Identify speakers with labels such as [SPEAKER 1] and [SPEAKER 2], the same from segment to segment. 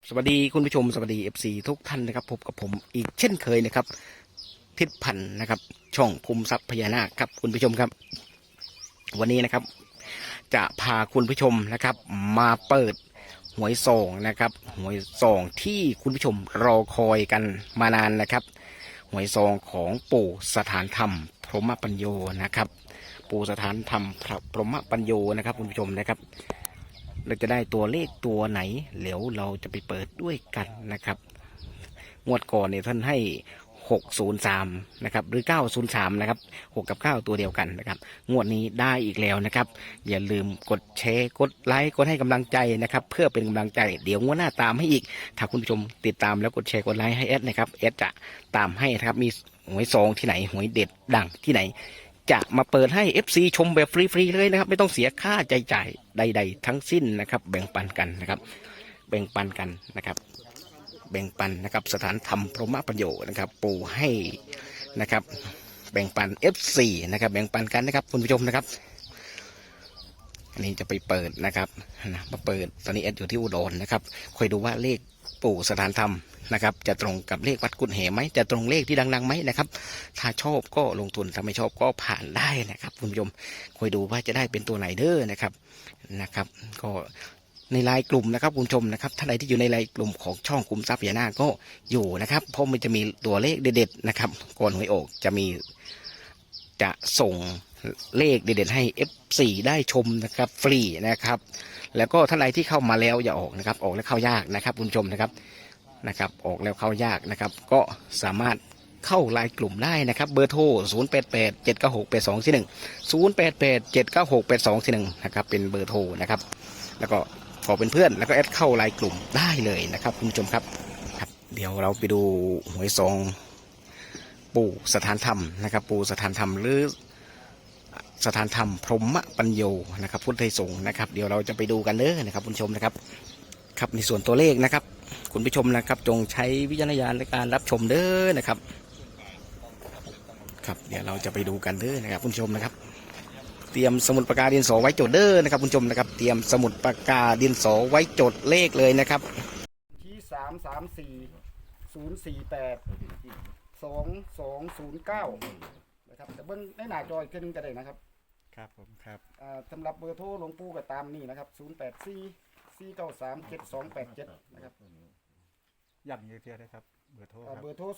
[SPEAKER 1] สวัสดีคุณผู้ชมสวัสดี FC ทุกท่านนะครับพบกับผมอีกเช่นเคยนะครับทิศพันธ์นะครับช่องภูมิทรัพย์พญานาคครับคุณผู้ชมครับวันนี้นะครับจะพาคุณผู้ชมนะครับมาเปิดหวยซองนะครับหวยซองที่คุณผู้ชมรอคอยกันมานานนะครับหวยซองของปู่สถานธรรมพรหมปัญโยนะครับปู่สถานธรรมพรหมปัญโยนะครับคุณผู้ชมนะครับเราจะได้ตัวเลขตัวไหนเดี๋ยวเราจะไปเปิดด้วยกันนะครับงวดก่อนเนี่ยท่านให้603นะครับหรือ903นะครับ6กับ9ตัวเดียวกันนะครับงวดนี้ได้อีกแล้วนะครับอย่าลืมกดแชร์กดไลค์กดให้กำลังใจนะครับเพื่อเป็นกำลังใจเดี๋ยวงวดหน้าตามให้อีกถ้าคุณผู้ชมติดตามแล้วกดแชร์กดไลค์ให้แอดนะครับแอดจะตามให้นะครับมีหวยซองที่ไหนหวยเด็ดดังที่ไหนจะมาเปิดให้ FC ชมแบบฟรีๆเลยนะครับไม่ต้องเสียค่าใช้จ่ายใดๆทั้งสิ้นนะครับแบ่งปันกันนะครับแบ่งปันกันนะครับแบ่งปันนะครับสถานธรรมพรหมปัญโยนะครับปู่ให้นะครับแบ่งปัน F4 นะครับแบ่งปันกันนะครับคุณผู้ชมนะครับอันนี้จะไปเปิดนะครับมาเปิดตอนนี้เอสอยู่ที่อุดรนะครับคอยดูว่าเลขปู่สถานธรรมนะครับจะตรงกับเลขวัดกุฎเหมไหมจะตรงเลขที่ดังๆไหมนะครับถ้าชอบก็ลงทุนถ้าไม่ชอบก็ผ่านได้นะครับคุณผู้ชมคอยดูว่าจะได้เป็นตัวไหนเด้อนะครับก็ในไลน์กลุ่มนะครับคุณผู้ชมนะครับท่านใดที่อยู่ในไลน์กลุ่มของช่องคุมทรัพย์พญานาคก็อยู่นะครับเพราะมันจะมีตัวเลขเด็ดๆนะครับก่อนหวยออกจะส่งเลขเด็ดๆให้ F4 ได้ชมนะครับฟรีนะครับแล้วก็ท่านใดที่เข้ามาแล้วอย่าออกนะครับออกแล้วเข้ายากนะครับคุณผู้ชมนะครับออกแล้วเข้ายากนะครับก็สามารถเข้าไลน์กลุ่มได้นะครับเบอร์โทร0887968241 0887968241นะครับเป็นเบอร์โทรนะครับแล้วก็ขอเป็นเพื่อนแล้วก็แอดเข้าไลน์กลุ่มได้เลยนะครับคุณผู้ชมครับเดี๋ยวเราไปดูหวยซองปู่สถานธรรมนะครับปู่สถานธรรมหรือสถานธรรมพรหมปัญโยนะครับพุทธไทยสงฆ์นะครับเดี๋ยวเราจะไปดูกันเลยนะครับคุณผู้ชมนะครับครับในส่วนตัวเลขนะครับคุณผู้ชมนะครับจงใช้วิจารณญาณในการรับชมเด้อนะครับครับเดี๋ยวเราจะไปดูกันเด้อนะครับคุณผู้ชมนะครับเตรียมสมุดปากกาดินสอไว้จดเด้อนะครับคุณผู้ชมนะครับเตรียมสมุดปากกาดินสอไว้จดเลขเลยนะครับ
[SPEAKER 2] ที่334 048 2209นะครับแต่เบิ้งในหน้าจออีกทีนึงก็ได้นะครับ
[SPEAKER 3] ครับผมครับ
[SPEAKER 2] สำหรับเบอร์โทรหลวงปู่ก็ตามนี่นะครับ0844937287นะครับ
[SPEAKER 3] ย้ำอีกทีได้ครับเบอร์โทรครับ
[SPEAKER 2] เบอร์โทร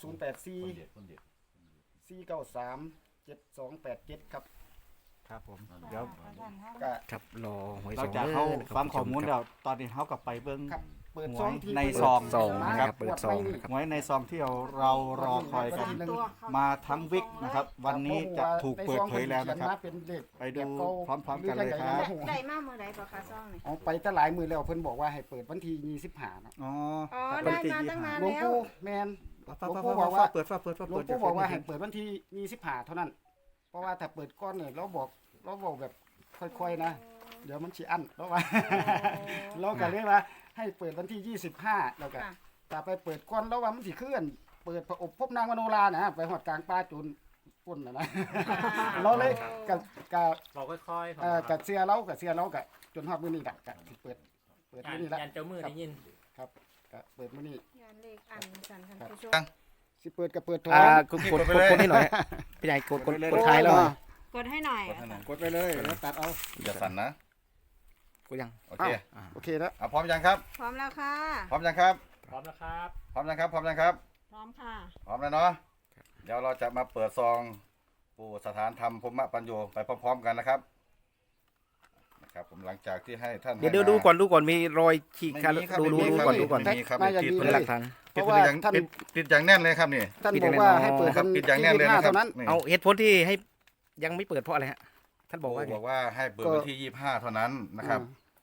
[SPEAKER 2] 0844937287ครับ
[SPEAKER 3] ครับผมเดี๋ยว
[SPEAKER 1] ครับรอหวยซ
[SPEAKER 3] เรา
[SPEAKER 1] อง
[SPEAKER 3] จะ
[SPEAKER 1] ด้
[SPEAKER 3] เข้า
[SPEAKER 1] นะครับ
[SPEAKER 3] ฟังข้อมูลเดี๋ยวตอนนี้เขากลับไปเบิ้ง
[SPEAKER 2] ครับเปิดซองที่
[SPEAKER 3] ในซอง
[SPEAKER 1] นะครับเปิดซองนะครับ
[SPEAKER 3] หวยในซองที่เรารอคอยกันมาทั้งวิกนะครับวันนี้จะถูกเปิดเผยแล้วนะครับไปดูพร้อมๆกันเลยครับ
[SPEAKER 4] ได้มากมือใดบ่คะซ่องนี่
[SPEAKER 2] เอาไปตั้งหลายมือแล้วเพิ่นบอกว่าให้เปิดวันที่25เนาะ
[SPEAKER 3] อ๋อ
[SPEAKER 4] อ๋อได้มาตั้งนาน
[SPEAKER 2] หลวง
[SPEAKER 4] แล้ว
[SPEAKER 2] ปู่แมน
[SPEAKER 3] ฟ้าบอกว่าเปิด
[SPEAKER 2] หลวงปู่บอกว่าให้เปิดวันที่25เท่านั้นเพราะว่าถ้าเปิดก้อนเนี่ยเราบอกแบบค่อยๆนะเดี๋ยวมันสิอั้นแล้วว่าเราก็เรียกว่าให้เปิดวันที่25แล้วก็แต่ไปเปิดก้อนแล้วว่ามันสิเคลื่อนเปิดพระอบพบนางมโนรานะไปหอดกลางป่าจุนปุ่นนะเราเลยกับ
[SPEAKER 5] เราค่อยๆ
[SPEAKER 2] กับเสียเรากับจนฮอดมื้อนี้ล่ะก็สิเปิดมื้อนี้ละ
[SPEAKER 5] ยันเจ้ามือได้ยิน
[SPEAKER 2] ครับก็เปิดมื้อนี้
[SPEAKER 4] งานเลขอันสันทันผู้ชม
[SPEAKER 2] สิเปิดก็เปิดโทร
[SPEAKER 1] กดให้หน่อยพี่ใหญ่กดท้ายแล้ว
[SPEAKER 4] กดให้หน่อย
[SPEAKER 2] กดไปเลยแล้วตัดเอา
[SPEAKER 6] อย่าสั่นนะ
[SPEAKER 1] กดยัง
[SPEAKER 6] โอเค
[SPEAKER 2] โอเคแล้ว
[SPEAKER 6] พร้อมยังครับ
[SPEAKER 4] พร้อมแล้วค่ะ
[SPEAKER 6] พร้อมยังครับ
[SPEAKER 5] พร้อมนะครับ
[SPEAKER 6] พร้อมยังครับ พร้อมยังครับ
[SPEAKER 4] พร้อมค่ะ
[SPEAKER 6] พร้อมแล้วเนาะ เดี๋ยวเราจะมาเปิดซองปู่สถานธรรมพรหมปัญโยไปพร้อมๆกันนะครับผมหลังจากที่ให้ท่าน
[SPEAKER 1] เดี๋ยวดูก่อนมีรอยขีดขาดดูก่อน
[SPEAKER 6] ไม่มีครับ
[SPEAKER 2] น่าจะดี
[SPEAKER 1] เป็น
[SPEAKER 2] เล
[SPEAKER 1] หลั
[SPEAKER 2] ย
[SPEAKER 1] กฐาน
[SPEAKER 2] เพราะว่าท่าน
[SPEAKER 6] ปิดอย่างแน่นเลยครับนี่
[SPEAKER 2] ท่านบอกว่าให้เปิด
[SPEAKER 6] ครับปิดอย่างแน่นเลยนะครั
[SPEAKER 2] เท่า
[SPEAKER 6] บ
[SPEAKER 2] นั้น
[SPEAKER 6] นี่
[SPEAKER 1] เอาเหตุผลที่ให้ยังไม่เปิดเพราะอะไรฮะท่านบอกว่า
[SPEAKER 6] บอกว่าให้เปิดวันที่25เท่านั้นนะครับ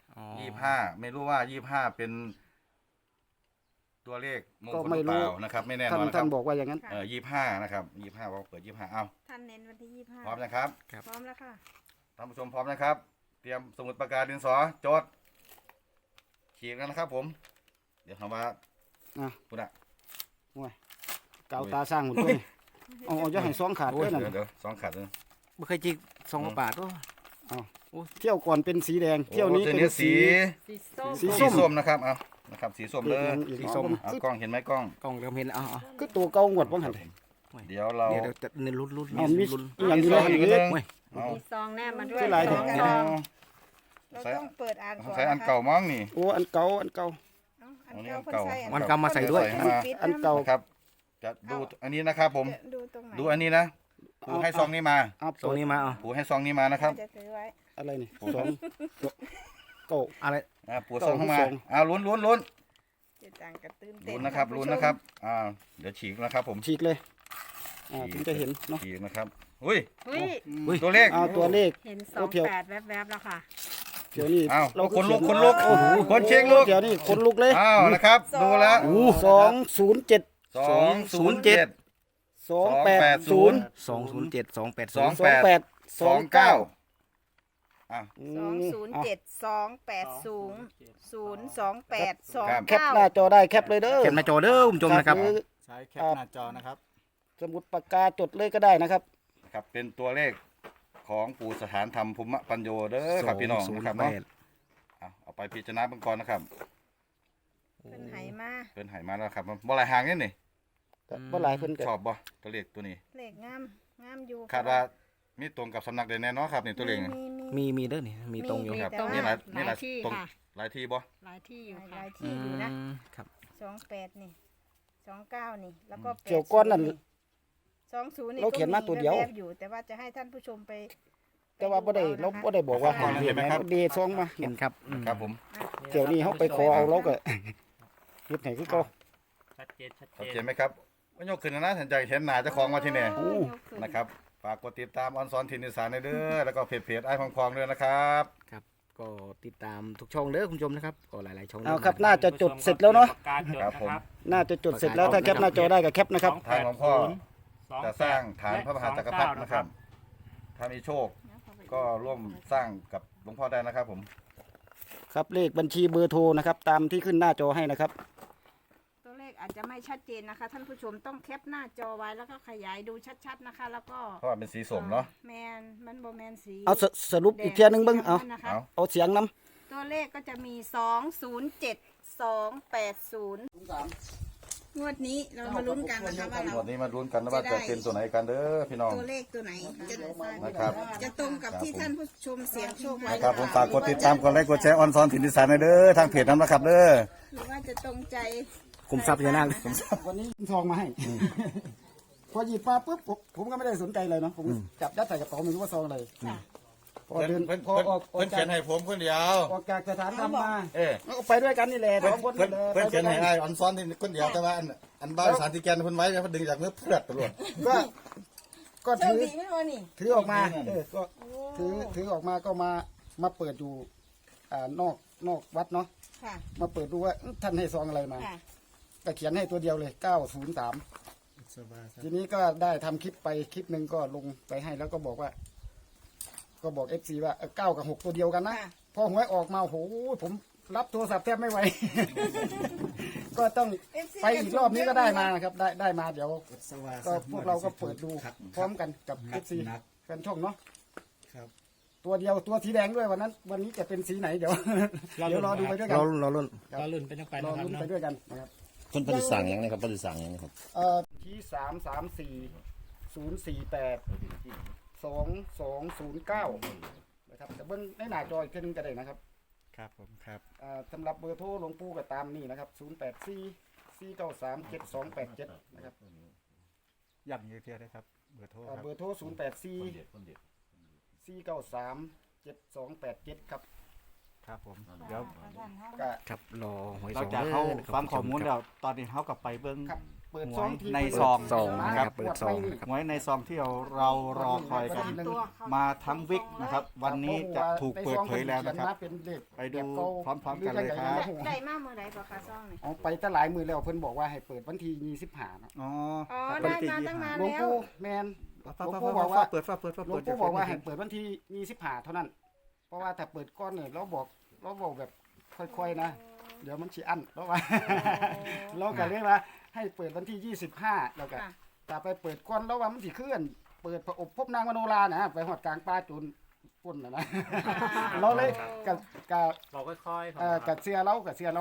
[SPEAKER 6] 25ไม่รู้ว่า25เป็นตัวเลขมงคลหรือเปล่านะครับไม่แน่นอนนะค
[SPEAKER 2] ท่า
[SPEAKER 6] รั
[SPEAKER 2] น
[SPEAKER 6] บ
[SPEAKER 2] บอกว่าอย่างนั้น
[SPEAKER 6] 25นะครับ25ว่าเปิด25เอา
[SPEAKER 4] ท่านเน้นวันที่25
[SPEAKER 6] พร้อมนะครับ
[SPEAKER 4] พร้อมแล้วค่ะ
[SPEAKER 6] ท่านผู้ชมพร้อมนะครับ เตรียมสมุดปากกาดินสอจดขีดกันนะครับผม เดี๋ยวคำว่าคุณอะ
[SPEAKER 2] เกาตาสร้างหุ่นด้วยเอาจะให้ซองขาดด้วยนั่น
[SPEAKER 6] เดี๋ยวสองขาดเลย
[SPEAKER 1] ไม่เคยจิก2 บาทก็
[SPEAKER 2] เที่ยวก่อนเป็นสีแดงเที่ยวนี้เป็น
[SPEAKER 6] สี
[SPEAKER 4] สีส้ม
[SPEAKER 2] สี
[SPEAKER 6] ส้มนะครับเอานะครับสีส้มเลย
[SPEAKER 1] สีส้ม
[SPEAKER 6] เอากล้องเห็นไหมกล้อง
[SPEAKER 1] กล้องเริ่มเห็นอ๋อ
[SPEAKER 2] คือตัวเก่างวดบ่หัน
[SPEAKER 6] เดี๋ยวเรา
[SPEAKER 1] เดี๋ยวจะเน้นลุ้น
[SPEAKER 2] เอามี
[SPEAKER 1] ลุ้น
[SPEAKER 2] อีหยังอยู่ในหัน
[SPEAKER 6] อีก
[SPEAKER 2] อีก
[SPEAKER 6] นึง
[SPEAKER 1] เว้ย
[SPEAKER 6] เอา
[SPEAKER 4] มีซองแนบมาด้วย
[SPEAKER 2] ชื่ออะไร
[SPEAKER 4] สอง
[SPEAKER 2] เนี่ย
[SPEAKER 4] ซอง
[SPEAKER 6] เอา
[SPEAKER 4] เราต้องเปิดอ่านก่อน
[SPEAKER 6] ใช้อันเก่ามั้งนี่
[SPEAKER 2] โอ้อันเก่าอันเก่า
[SPEAKER 4] เอ้าอันเก่าคนใส่
[SPEAKER 1] วันกรรมมาใส่ด้วย
[SPEAKER 6] ใส่มา
[SPEAKER 2] อันเก่า
[SPEAKER 6] นะครับจะดูอันนี้นะครับผม
[SPEAKER 4] ดูตรงไหน
[SPEAKER 6] ดูอันนี้นะปูให้ซองนี้มา
[SPEAKER 2] เอา
[SPEAKER 1] ตรงนี้มาอ๋อ
[SPEAKER 6] ปูให้ซองนี้มานะครับ
[SPEAKER 4] จะถือไว้
[SPEAKER 2] อะไรนี่สองเก่า
[SPEAKER 1] อะไร
[SPEAKER 6] ปูซองเข้ามา
[SPEAKER 2] ซอง
[SPEAKER 6] ลุ้น
[SPEAKER 4] เจะต่างกับตื่นเต้น
[SPEAKER 6] ลุ้นนะครับ
[SPEAKER 4] ท่า
[SPEAKER 6] ลุ้น
[SPEAKER 4] ผู้ชม
[SPEAKER 6] นะครับเดี๋ยวฉีกนะครับผม
[SPEAKER 2] ฉีกเลยถึงจะเห็นเนาะ
[SPEAKER 6] ฉีกนะครับอุ้ย
[SPEAKER 4] อุ้ย
[SPEAKER 6] ตัวเลข
[SPEAKER 2] เอาตัวเลข
[SPEAKER 4] เห็น
[SPEAKER 2] โอ้เดี๋ยว
[SPEAKER 4] 28แวบๆแล้วค่ะ
[SPEAKER 2] เดี๋ยวนี้
[SPEAKER 6] อ้าว
[SPEAKER 2] เรา
[SPEAKER 6] คนลุก
[SPEAKER 2] เขีย
[SPEAKER 6] คนลุก
[SPEAKER 2] โอ้โห
[SPEAKER 6] คนเช็คลุก
[SPEAKER 2] เดี๋ยวนี้คนลุกเลย
[SPEAKER 6] อ้าวนะครับ ดูแล้ว
[SPEAKER 2] 207
[SPEAKER 6] 207
[SPEAKER 2] 280
[SPEAKER 1] 207 282
[SPEAKER 6] 28 29
[SPEAKER 4] 207280
[SPEAKER 2] แคปหน้าจอได้แคปเลยเด้อ
[SPEAKER 1] เขียนมาจอเด้อคุณผู้ชมนะครับ
[SPEAKER 2] หอ
[SPEAKER 3] ใช้แคปหน้าจอนะครับ
[SPEAKER 2] สมุดปากกาจดเลยก็ได้นะครับ
[SPEAKER 6] ครับเป็นตัวเลขของปู่สถานธรรมภูมิปัญโยเด้อครับพี่น้องนะครับเนาะเอาไปพิจารณาเบื้องก่อนนะครับ
[SPEAKER 4] เป็นไหมา
[SPEAKER 6] เพิ่นให้มาแล้วครับบ่หลายหางนี่นี่
[SPEAKER 2] แต่บ่หลายเพิ่นก็
[SPEAKER 6] ชอบบ่ตัวเลขตัวนี้
[SPEAKER 4] เลขงามงามอยู่
[SPEAKER 6] คาดว่ามีตรงกับสำนักใดแน่เนอนครับนี่ตัวเลขนี่
[SPEAKER 1] มีเด้อนี่มีตรงอยู่
[SPEAKER 6] ครับ
[SPEAKER 4] แต่ว่า
[SPEAKER 6] นี่หลายนี่หลาย
[SPEAKER 4] ที่
[SPEAKER 6] ตรง
[SPEAKER 4] ค่ะ
[SPEAKER 6] หลายที่บ่
[SPEAKER 4] หลายที่อยู่
[SPEAKER 1] อื
[SPEAKER 4] หลายที่อยู่นะ
[SPEAKER 1] มครับ
[SPEAKER 4] 28นี่29นี่แล้วก็
[SPEAKER 2] เกี่ยวก้อนนั่น
[SPEAKER 4] 20นี่
[SPEAKER 2] เราเขียนมาตัวเดียว
[SPEAKER 4] แบๆอยู่แต่ว่าจะให้ท่านผู้ชมไป
[SPEAKER 2] แต่ว่าบ่ได้เราบ่ได้บอกว่าให้เห็นไหมเดซองมา
[SPEAKER 1] เห็นครับ
[SPEAKER 6] ครับผม
[SPEAKER 2] เดี๋ยวนี้เฮาไปขอเอาเราก็เฮ็ดให้คือเก่า
[SPEAKER 5] ชัดเจนชัด
[SPEAKER 6] ชัด
[SPEAKER 5] เจ
[SPEAKER 6] เจน
[SPEAKER 5] น
[SPEAKER 6] ไหมครับว่ายกขึ้นนะสนใจเห็นหน้าเจ้าของมาที่นี่
[SPEAKER 2] โอ้
[SPEAKER 6] นะครับฝากกดติดตามออนซอนทินอีสานเด้อแล้วก็เพจไอ้พองๆด้วยนะครับ
[SPEAKER 1] ครับก็ติดตามทุกช่องเด้อคุณผู้ชมนะครับก็หลายๆช่อง
[SPEAKER 2] เอาครับน่าจะจดเสร็จแล้วเนาะ
[SPEAKER 5] การจดนะครับ
[SPEAKER 2] น่าจะจดเสร็จแล้วถ้าแคปหน้าจอได้ก็แคปนะครับ
[SPEAKER 6] ทางหลวงพ่อจะสร้างฐานพระมหาจักรพรรดินะครับ ถ้ามีโชคก็ร่วมสร้างกับหลวงพ่อได้นะครับผม
[SPEAKER 2] ครับเลขบัญชีเบอร์โทรนะครับ ตามที่ขึ้นหน้าจอให้นะครับ
[SPEAKER 4] ตัวเลขอาจจะไม่ชัดเจนนะคะ ท่านผู้ชมต้องแคปหน้าจอไว้แล้วก็ขยายดูชัดๆนะคะ แล้วก็
[SPEAKER 6] เพราะว่าเป็นสีส้มเนาะ
[SPEAKER 4] แมนมันโบแมนสี
[SPEAKER 2] เอาสรุปอีกเทียหนึงเบิ่งเอา
[SPEAKER 4] นะคะ
[SPEAKER 6] เอา
[SPEAKER 2] เอาเสียงนํ
[SPEAKER 4] ตัวเลขก็จะมี207280งวดนี้เรามาลุ้นกันนะคะว่าเรา
[SPEAKER 6] วันนี้มาลุ้นกันนะว่าจะเป็นตัวไหนกันเด้อพี่น้อง
[SPEAKER 4] ตัวเลขตัวไหนจะ
[SPEAKER 6] นะครับ
[SPEAKER 4] จะตรงกับที่ท่านผู้ชมเสียงโชคไว้
[SPEAKER 6] นะครับผมฝากกดติดตามกดไลค์กดแชร์ออนซอนทินอีสานเด้อทางเพจนั้นนะครับเด้อ
[SPEAKER 4] หรือว่าจะตรงใจ
[SPEAKER 1] คุมทรัพย์พญานาค
[SPEAKER 2] วันนี้ซองมาให้ พอหยิบมาปุ๊บผมก็ไม่ได้สนใจเลยเนาะผมจับยัดใส่กระเป๋าไม่รู้ว่าซองอะไรพอเดินพอออกจาก
[SPEAKER 6] ผมคนเดียว
[SPEAKER 2] ออกจากสถานธรรมมา
[SPEAKER 6] เออ
[SPEAKER 2] แล้วก็ไปด้วยกันนี่แหละสองคน
[SPEAKER 6] เพิ่น
[SPEAKER 2] นี่แหละ
[SPEAKER 6] เพิ่นเขียนให้
[SPEAKER 2] ไปด้ว
[SPEAKER 6] ไอ้
[SPEAKER 2] กั
[SPEAKER 6] ออนซอนที่คนเดียวแต่ว่าอันบ้าสารติแกนเพิ่นไว้เพิ่นดึงจากเนื้อเพื่อตลอด
[SPEAKER 2] ก็
[SPEAKER 4] โช
[SPEAKER 2] ถื
[SPEAKER 4] ค
[SPEAKER 2] อ
[SPEAKER 4] ดีไหมวะนี่
[SPEAKER 2] ถือออกมาก็ถือออกมาก็มาเปิดอยู่นอกวัดเนาะ
[SPEAKER 4] ค่ะ
[SPEAKER 2] มาเปิดดูว่าท่านให้ซองอะไรมา
[SPEAKER 4] ค่ะ
[SPEAKER 2] ก็เขียนให้ตัวเดียวเลย903ทีนี้ก็ได้ทำคลิปไปคลิปหนึ่งก็ลงไปให้แล้วก็บอกว่า ก็บอก FC ว่า9กับ6ตัวเดียวกันนะ
[SPEAKER 4] ค่ะ
[SPEAKER 2] พอหวยออกมาโหผมรับโทรศัพท์แทบไม่ไหว ก็ต้องไปอีกรอบนี้ก็ได้มานะครับ ได้มาเดี๋ยวก็พวกเราก็เปิดดูพร้อมกันกับ FC แฟนช่องเนาะตัวเดียวตัวสีแดงด้วยวันนี้จะเป็นสีไหนเดี๋ยวเดี๋ยวรอดูไปด้วยกัน
[SPEAKER 1] เราลุ้น
[SPEAKER 5] เราลุ่นไปต้องไป
[SPEAKER 2] รอ
[SPEAKER 5] นะครับ
[SPEAKER 2] ลุ้นไป
[SPEAKER 5] เนาะ
[SPEAKER 2] ด้วยกันนะครับ
[SPEAKER 7] เพิ่นปฏิสั่งอย่างนี้ครับปฏิสั่งอย่างนี้ครับ
[SPEAKER 2] ที่334 048 2209นะครับแต่เบิ้งในหน้าจออีกทีนึงก็ได้นะครับ
[SPEAKER 3] ครับผมครับ
[SPEAKER 2] สำหรับเบอร์โทรหลวงปู่ก็ตามนี่นะครับ0844937287นะครับ
[SPEAKER 3] ย้ำอีกเทียได้ครับเบอร์โทรครับ
[SPEAKER 2] เบอร์โทร0844937287ครับ
[SPEAKER 3] ครับผมเดี๋ยว
[SPEAKER 2] ก็
[SPEAKER 1] ครับรอหวย
[SPEAKER 3] เรา
[SPEAKER 1] ซอง
[SPEAKER 3] จะ
[SPEAKER 1] ด้
[SPEAKER 3] เข้า
[SPEAKER 1] นะครับ
[SPEAKER 3] ฟังข้อมูล
[SPEAKER 1] คุณผู้ช
[SPEAKER 3] แล้วตอนนี้เขากลับไปเบิ้ง
[SPEAKER 2] ครับเปิดซองที่
[SPEAKER 3] ในซอง
[SPEAKER 1] ซองนะครับเปิดซองนะครับ
[SPEAKER 3] หวยในซองที่เรารอคอยกันมาทั้งวิกนะครับ วันนี้จะถูกเปิดเผยแล้วนะครับ
[SPEAKER 2] เป็นเลข
[SPEAKER 3] ไปดูพร้อมๆกันเลยครับ
[SPEAKER 4] ได้มากเมื่อไรก็คะซ่องนี่
[SPEAKER 2] เอาไปตั้งหลายมือแล้วเพิ่นบอกว่าให้เปิดวันที่25นะ
[SPEAKER 3] อ๋อ
[SPEAKER 4] อ๋อได้มาตั้งนาน
[SPEAKER 2] หลวง
[SPEAKER 4] แล้ว
[SPEAKER 2] ปู่แมน
[SPEAKER 3] ฟ้า
[SPEAKER 2] หลวง
[SPEAKER 3] ฟ้า
[SPEAKER 2] ปู่
[SPEAKER 3] ฟ้า
[SPEAKER 2] บอกว่า
[SPEAKER 3] เปิดฟ้าเปิดฟ้า
[SPEAKER 2] หลว
[SPEAKER 3] เปิ
[SPEAKER 2] ง
[SPEAKER 3] ด
[SPEAKER 2] ปู่บอกว่าให้เปิดวันที่25เท่านั้น เพราะว่าถ้าเปิดก้อนเนี่ยเราบอกแบบค่อยๆนะเดี๋ยวมันสิอั้นแล้วว่าเราก็เรียกว่าให้เปิดวันที่25แล้วก็
[SPEAKER 4] ค่ะ
[SPEAKER 2] แต่ไปเปิดก้อนแล้วว่ามันสิเคลื่อนเปิดพระอบพบนางมโนรานะไปหอดกลางป่าจูนปุ่นนะเราเลยกับ
[SPEAKER 5] เราค่อยๆ
[SPEAKER 2] กับเสียเรากับ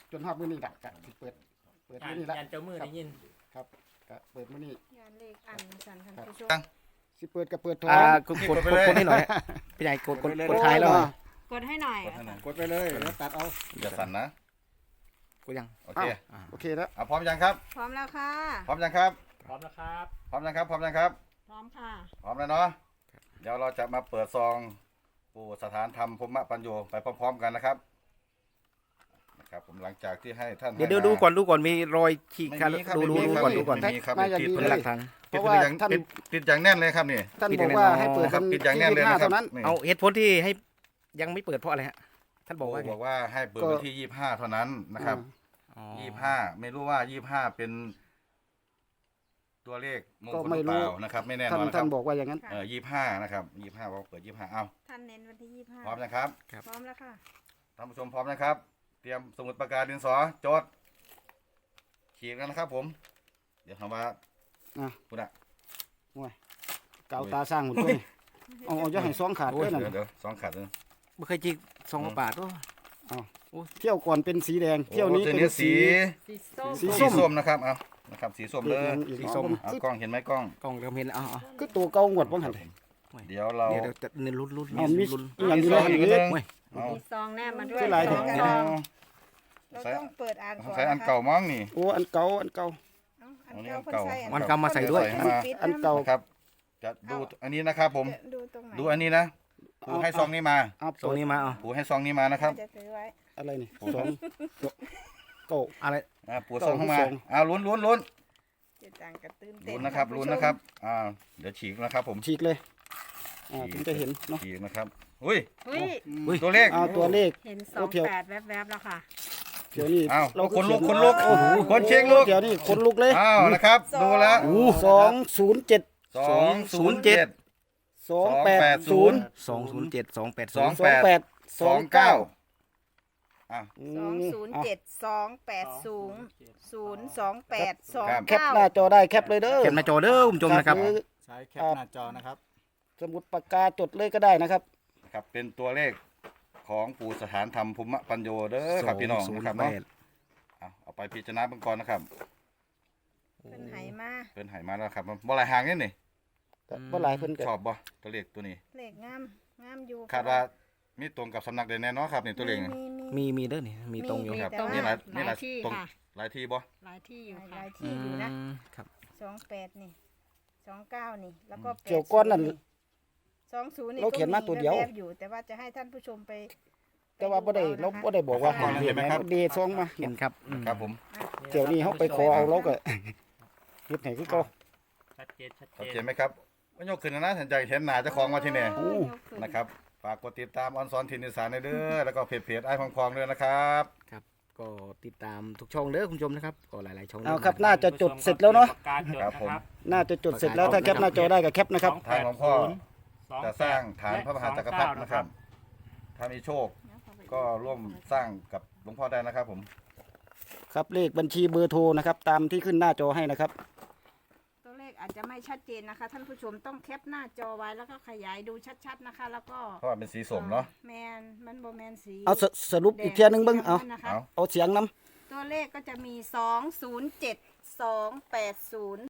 [SPEAKER 2] จนฮอดมื้อนี้ล่ะก็สิเปิดมื้อนี้ละ
[SPEAKER 5] ยันเจ้ามือได้ยิน
[SPEAKER 2] ครับก็เปิดมื้อนี้
[SPEAKER 4] งานเลขอันสันท่านผู้ชม
[SPEAKER 2] สิเปิดก็เปิดโทร
[SPEAKER 1] กดให้หน่อยพี่ใหญ่กดท้ายแล้ว
[SPEAKER 4] กดให้หน่อย
[SPEAKER 6] กดให้หน่อย
[SPEAKER 2] กดไปเลยแล้วตัดเอา
[SPEAKER 6] อย่าสั่นนะ
[SPEAKER 1] กดยัง
[SPEAKER 6] โอเค
[SPEAKER 2] โอเคแล้ว
[SPEAKER 6] เอาพร้อมยังครับ
[SPEAKER 4] พร้อมแล้วค่ะ
[SPEAKER 6] พร้อมยังครับ
[SPEAKER 5] พร้อมนะครับ
[SPEAKER 6] พร้อมยังครับ พร้อมยังครับ
[SPEAKER 4] พร้อมค่ะ
[SPEAKER 6] พร้อมแล้วเนาะ เดี๋ยวเราจะมาเปิดซองปู่สถานธรรมพรหมปัญโยไปพร้อมๆกันนะครับ นะครับผมหลังจากที่ให้ท่าน
[SPEAKER 1] เดี๋ยว
[SPEAKER 6] ให้มา
[SPEAKER 1] ดูก่อนมีรอยฉีก
[SPEAKER 6] ไม่
[SPEAKER 1] ขาด
[SPEAKER 6] มีครับ
[SPEAKER 1] ดู
[SPEAKER 6] ไม่มีครับ
[SPEAKER 1] ก่อนดูก่อน
[SPEAKER 6] ไม่มีครับ
[SPEAKER 2] มาอย่าง
[SPEAKER 6] ติด
[SPEAKER 2] ดี
[SPEAKER 6] เพื่
[SPEAKER 1] เป็น
[SPEAKER 6] อ
[SPEAKER 1] หลักฐาน
[SPEAKER 2] เพราะว่า
[SPEAKER 6] ท่าน
[SPEAKER 2] ท่าน
[SPEAKER 6] ติดอย่างแน่นเลยครับนี่
[SPEAKER 2] ท่าน
[SPEAKER 1] ปิด
[SPEAKER 2] บอก
[SPEAKER 1] แน่น
[SPEAKER 2] ว่า
[SPEAKER 1] อน
[SPEAKER 2] ให้เปิด
[SPEAKER 6] ครับ
[SPEAKER 2] วัน
[SPEAKER 6] ติดอย่างแน่นเลย
[SPEAKER 2] ที่
[SPEAKER 6] นะ
[SPEAKER 2] 25
[SPEAKER 6] ครับ
[SPEAKER 2] เท่านั้น
[SPEAKER 6] นี่
[SPEAKER 1] เอาเหตุผลที่ให้ยังไม่เปิดเพราะอะไรฮะท่านบอกว่าไง
[SPEAKER 6] บอกว่าให้เปิดวันที่25เท่านั้นนะครับ
[SPEAKER 1] อ๋อ
[SPEAKER 6] 25ไม่รู้ว่า25เป็นตัวเลขมงคลหรือเปล่านะครับ ไม่แน่น
[SPEAKER 2] ท่าน
[SPEAKER 6] อนนะค
[SPEAKER 2] ท่า
[SPEAKER 6] รั
[SPEAKER 2] น
[SPEAKER 6] บ
[SPEAKER 2] บอกว่าอย่างนั้น
[SPEAKER 6] 25นะครับ25ว่าเปิด25เอา
[SPEAKER 4] ท่านเน้นวันที่25
[SPEAKER 6] พร้อมนะครับ
[SPEAKER 4] พร้อมแล้วค่ะ
[SPEAKER 6] ท่านผู้ชมพร้อมนะครับ เตรียมสมุดปากกาดินสอโจทย์ขีดกันนะครับผม เดี๋ยวทำว่า
[SPEAKER 2] อ่ะ
[SPEAKER 6] คุณอะ
[SPEAKER 2] เกาตาสร้างหุ่นตัวนี้เอาจะให้ซองขาดด้วยนั่น
[SPEAKER 6] เดี๋ยวสองขัดเลย
[SPEAKER 1] ไม่เคยจิกซองบาทด้วย
[SPEAKER 2] เที่ยวก่อนเป็นสีแดง เที่ยวนี้
[SPEAKER 6] โอ้
[SPEAKER 2] เป็น
[SPEAKER 6] ตัว
[SPEAKER 2] สี
[SPEAKER 4] สีส้ม
[SPEAKER 2] สี
[SPEAKER 6] สีส้มนะครับเอานะครับ สีส้มเลย
[SPEAKER 2] อีก
[SPEAKER 1] สีส้ม
[SPEAKER 6] เอากล้องเห็นไหมกล้อง
[SPEAKER 1] กล้องเราเห็นเอา
[SPEAKER 2] คือตัวเก่าหมดว่าหัน
[SPEAKER 6] เดี๋ยวเรา
[SPEAKER 1] เดี๋ยวจะเน้นลุ้น
[SPEAKER 2] เอามี
[SPEAKER 1] ลุ้น
[SPEAKER 2] อีกอย่างนี้เลย
[SPEAKER 6] อีก
[SPEAKER 2] อีก
[SPEAKER 6] นิด
[SPEAKER 2] เลย
[SPEAKER 6] นึง
[SPEAKER 1] เว้ย
[SPEAKER 6] เอา
[SPEAKER 4] มีซองแนบมาด้วย
[SPEAKER 2] คือหลาย
[SPEAKER 4] ซอง
[SPEAKER 2] แถว
[SPEAKER 4] ซอง
[SPEAKER 6] เอา
[SPEAKER 4] เราต้องเปิดอ่านก่อน
[SPEAKER 6] ใช้อันเก่ามั้งนี่
[SPEAKER 2] โอ้อันเก่า
[SPEAKER 4] อันเก่า
[SPEAKER 6] อันนี้
[SPEAKER 4] เพิ่
[SPEAKER 6] อันเก่า
[SPEAKER 4] ใส่
[SPEAKER 1] มันกำมาใส่ด้วย
[SPEAKER 6] ใส่มา
[SPEAKER 2] อันเก่า
[SPEAKER 6] นะครับ จะดูอันนี้นะครับผม
[SPEAKER 4] ดูตรงไหน
[SPEAKER 6] ดูอันนี้นะปูให้ซองนี้มา
[SPEAKER 2] เอา
[SPEAKER 1] ซองนี้มาเอา
[SPEAKER 6] ปูให้ซองนี้มานะครับ
[SPEAKER 4] จะถือไว้
[SPEAKER 2] อะไรนี่สองเก่า
[SPEAKER 1] อะไร
[SPEAKER 6] ปูซองเข้ามา
[SPEAKER 2] ซอง
[SPEAKER 6] ลุ้น
[SPEAKER 4] เจะจังกระตื้นเต้น
[SPEAKER 6] ลุ้นนะครับ
[SPEAKER 4] ท่า
[SPEAKER 6] ลุ้น
[SPEAKER 4] ผู้ชม
[SPEAKER 6] นะครับเดี๋ยวฉีกนะครับผม
[SPEAKER 2] ฉีกเลยถึงจะเห็นเนาะ
[SPEAKER 6] ฉีกนะครับอุ้ย
[SPEAKER 4] อุ้ย
[SPEAKER 6] ตัวเลข
[SPEAKER 2] เอาตัวเลข
[SPEAKER 4] เห็น
[SPEAKER 2] โอ้เที่ยว
[SPEAKER 4] 28แวบๆแล้วค่ะ
[SPEAKER 2] เดี๋ยวนี้
[SPEAKER 6] อ้าว
[SPEAKER 2] เรา
[SPEAKER 6] คนลุก
[SPEAKER 2] เขีย
[SPEAKER 6] คนลุก
[SPEAKER 2] โอ้โห
[SPEAKER 6] คนเช็คลุก
[SPEAKER 2] เดี๋ยวนี้คนลุกเลย
[SPEAKER 6] อ้าวนะครับ ดูแล้ว
[SPEAKER 2] 207
[SPEAKER 6] 207
[SPEAKER 2] 280
[SPEAKER 1] 207 280
[SPEAKER 6] 28 29
[SPEAKER 4] 207280
[SPEAKER 2] แคปหน้าจอได้แคปเลยเด้อ
[SPEAKER 1] เขียนมาจอเด้อคุณผู้ชมนะครับ
[SPEAKER 2] หอ
[SPEAKER 3] ใช้แคปหน้าจอนะครับ
[SPEAKER 2] สมุดปากกาจดเลยก็ได้นะครับ
[SPEAKER 6] นะครับเป็นตัวเลขของปู่สถานธรรมภูมิปัญโยเด้อครับพี่น้องนะครับเนาะเอาไปพิจารณาเบื้องก่อนนะครับ
[SPEAKER 4] เป็นไหมา
[SPEAKER 6] เพิ่นให้มาแล้วครับบ่หลายหางนี่นี่
[SPEAKER 2] แต่บ่หลายเพิ่นก็
[SPEAKER 6] ชอบบ่ตัวเลขตัวนี้
[SPEAKER 4] เลขงามงามอยู่
[SPEAKER 6] คาดว่ามีตรงกับสำนักใดแน่เนอนครับนี่ตัวเลขนี่
[SPEAKER 1] มีเด้อนี่มีตรงอยู่
[SPEAKER 6] ครับ
[SPEAKER 4] แต่ว่า
[SPEAKER 6] มีหลายมีหลาย
[SPEAKER 4] ที่
[SPEAKER 6] ตรง
[SPEAKER 4] ค่ะ
[SPEAKER 6] หลายที่บ่
[SPEAKER 4] หลายที่อยู่ค่ะหลายที่อยู่นะ
[SPEAKER 1] ครับ
[SPEAKER 4] 28นี่29นี่แล้วก็
[SPEAKER 2] เกี่ยวก้อนนั่น
[SPEAKER 4] 20นี่
[SPEAKER 2] เราเขียนมาตัวเดียว
[SPEAKER 4] แบๆอยู่ แต่ว่าจะให้ท่านผู้ชมไป
[SPEAKER 2] แต่ว่าบ่ได้เราบ่ได้บอกว่าให้เห็นไหมเดซองมา
[SPEAKER 1] เห็นครับ
[SPEAKER 6] ครับผม
[SPEAKER 2] เดี๋ยวนี้เฮาไปขอเอาเราก็เฮ็ดให้คือเก่า
[SPEAKER 5] ชัดเจน
[SPEAKER 6] ชัดเจนไหมครับว่ายกขึ้นนะสนใจเห็นหน้าเจ้าของมาที่นี่
[SPEAKER 2] โอ้
[SPEAKER 6] นะครับฝากกดติดตามออนซอนทินอีสานเด้อแล้วก็เพจไอ้พองพองด้วยนะครับ
[SPEAKER 1] ก็ติดตามทุกช่องเด้อคุณผู้ชมนะครับก็หลายๆช่อง
[SPEAKER 2] เอาครับน่าจะจดเสร็จแล้วเนาะ
[SPEAKER 6] ครับผม
[SPEAKER 2] น่าจะจดเสร็จแล้วถ้าแคปหน้าจอได้ก็แคปนะครับ
[SPEAKER 6] ทางของพ่อจะสร้างฐานพระมหาจักรพรรดินะครับ ถ้ามีโชคก็ร่วมสร้างกับหลวงพ่อได้นะครับผม
[SPEAKER 2] ครับเลขบัญชีเบอร์โทรนะครับ ตามที่ขึ้นหน้าจอให้นะครับ
[SPEAKER 4] ตัวเลขอาจจะไม่ชัดเจนนะคะ ท่านผู้ชมต้องแคปหน้าจอไว้แล้วก็ขยายดูชัดๆนะคะ แล้วก็
[SPEAKER 6] เพราะว่าเป็นสีสมเนาะ
[SPEAKER 4] แมนมันโบแมนสี
[SPEAKER 2] เอาสรุปอีกเทียหนึงเบิ่งเอา
[SPEAKER 4] นะคะ
[SPEAKER 6] เอา
[SPEAKER 2] เอาเสียงนํ
[SPEAKER 4] ตัวเลขก็จะมี207 280